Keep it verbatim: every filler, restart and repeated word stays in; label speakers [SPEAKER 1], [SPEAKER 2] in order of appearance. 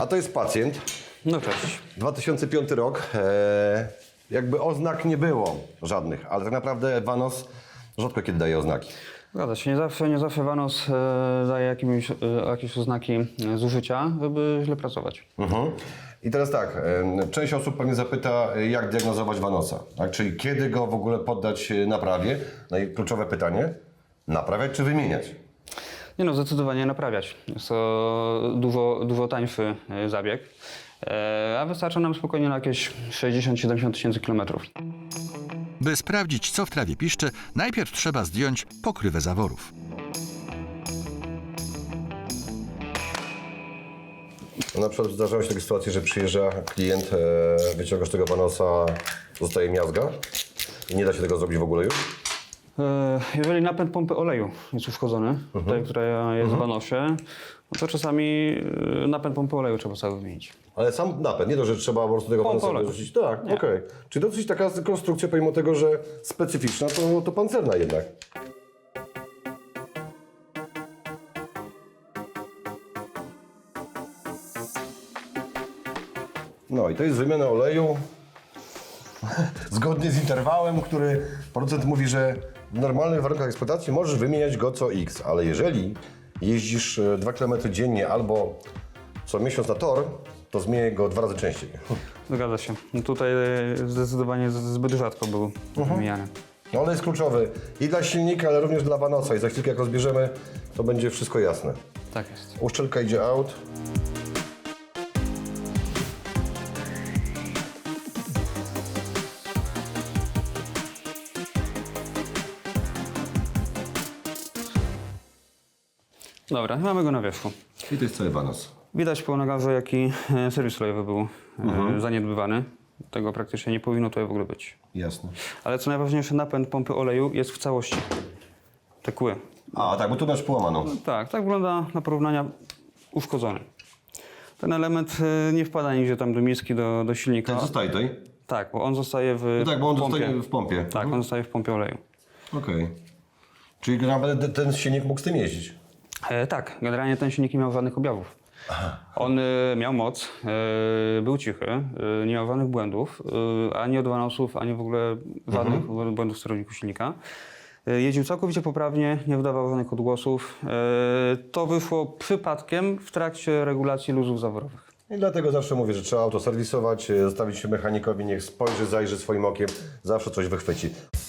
[SPEAKER 1] to jest pacjent.
[SPEAKER 2] No cześć.
[SPEAKER 1] dwa tysiące piąty rok. E, jakby oznak nie było żadnych, ale tak naprawdę Vanos rzadko kiedy daje oznaki.
[SPEAKER 2] Zgadza się, nie zawsze, nie zawsze Vanos e, daje jakimiś, e, jakieś oznaki e, zużycia, żeby źle pracować.
[SPEAKER 1] Mhm. I teraz tak, e, część osób pewnie zapyta, e, jak diagnozować Vanosa, tak? Czyli kiedy go w ogóle poddać e, naprawie. No i kluczowe pytanie, naprawiać czy wymieniać?
[SPEAKER 2] Nie no, zdecydowanie naprawiać. Jest to dużo, dużo tańszy e, zabieg, e, a wystarcza nam spokojnie na jakieś sześćdziesiąt do siedemdziesięciu tysięcy kilometrów.
[SPEAKER 3] By sprawdzić, co w trawie piszczy, najpierw trzeba zdjąć pokrywę zaworów.
[SPEAKER 1] Na przykład zdarzały się takie sytuacje, że przyjeżdża klient, e, wyciągasz tego Vanosa, zostaje miazga i nie da się tego zrobić w ogóle już?
[SPEAKER 2] E, Jeżeli napęd pompy oleju jest uszkodzony, tutaj, która jest w Vanosie, no to czasami e, napęd pompy oleju trzeba cały wymienić.
[SPEAKER 1] Ale sam napęd, nie to, że trzeba po prostu tego
[SPEAKER 2] Pompa
[SPEAKER 1] Vanosa
[SPEAKER 2] oleju.
[SPEAKER 1] wyrzucić. Tak, okej. Czyli dosyć taka konstrukcja, pomimo tego, że specyficzna, to, to pancerna jednak. No i to jest wymiana oleju zgodnie z interwałem, który producent mówi, że w normalnych warunkach eksploatacji możesz wymieniać go co X, ale jeżeli jeździsz dwa kilometry dziennie albo co miesiąc na tor, to zmieniaj go dwa razy częściej.
[SPEAKER 2] Zgadza się. No tutaj e, zdecydowanie z- zbyt rzadko był wymieniany.
[SPEAKER 1] No ale jest kluczowy i dla silnika, ale również dla Vanosa i za chwilkę jak go zbierzemy, to będzie wszystko jasne.
[SPEAKER 2] Tak jest.
[SPEAKER 1] Uszczelka idzie out.
[SPEAKER 2] Dobra, mamy go na wierzchu.
[SPEAKER 1] I to jest cały Vanos.
[SPEAKER 2] Widać po nagarze, jaki e, serwis olejowy był e, zaniedbywany. Tego praktycznie nie powinno tutaj w ogóle być.
[SPEAKER 1] Jasne.
[SPEAKER 2] Ale co najważniejsze, napęd pompy oleju jest w całości. Te kły.
[SPEAKER 1] A tak, bo tu masz połamaną.
[SPEAKER 2] Tak, tak wygląda na porównania uszkodzony. Ten element e, nie wpada nigdzie tam do miski, do, do silnika.
[SPEAKER 1] Ten zostaje tutaj?
[SPEAKER 2] Tak, bo on zostaje w
[SPEAKER 1] No tak, bo on
[SPEAKER 2] pompie.
[SPEAKER 1] zostaje w pompie.
[SPEAKER 2] Tak, on zostaje w pompie oleju.
[SPEAKER 1] Okej. Czyli nawet ten silnik mógł z tym jeździć?
[SPEAKER 2] E, tak, generalnie ten silnik nie miał żadnych objawów. On e, miał moc, e, był cichy, e, nie miał żadnych błędów, e, ani od Vanosów, ani w ogóle żadnych błędów w sterowniku silnika. E, jeździł całkowicie poprawnie, nie wydawał żadnych odgłosów. E, to wyszło przypadkiem w trakcie regulacji luzów zaworowych.
[SPEAKER 1] I dlatego zawsze mówię, że trzeba auto serwisować, zostawić się mechanikowi, niech spojrzy, zajrzy swoim okiem, zawsze coś wychwyci.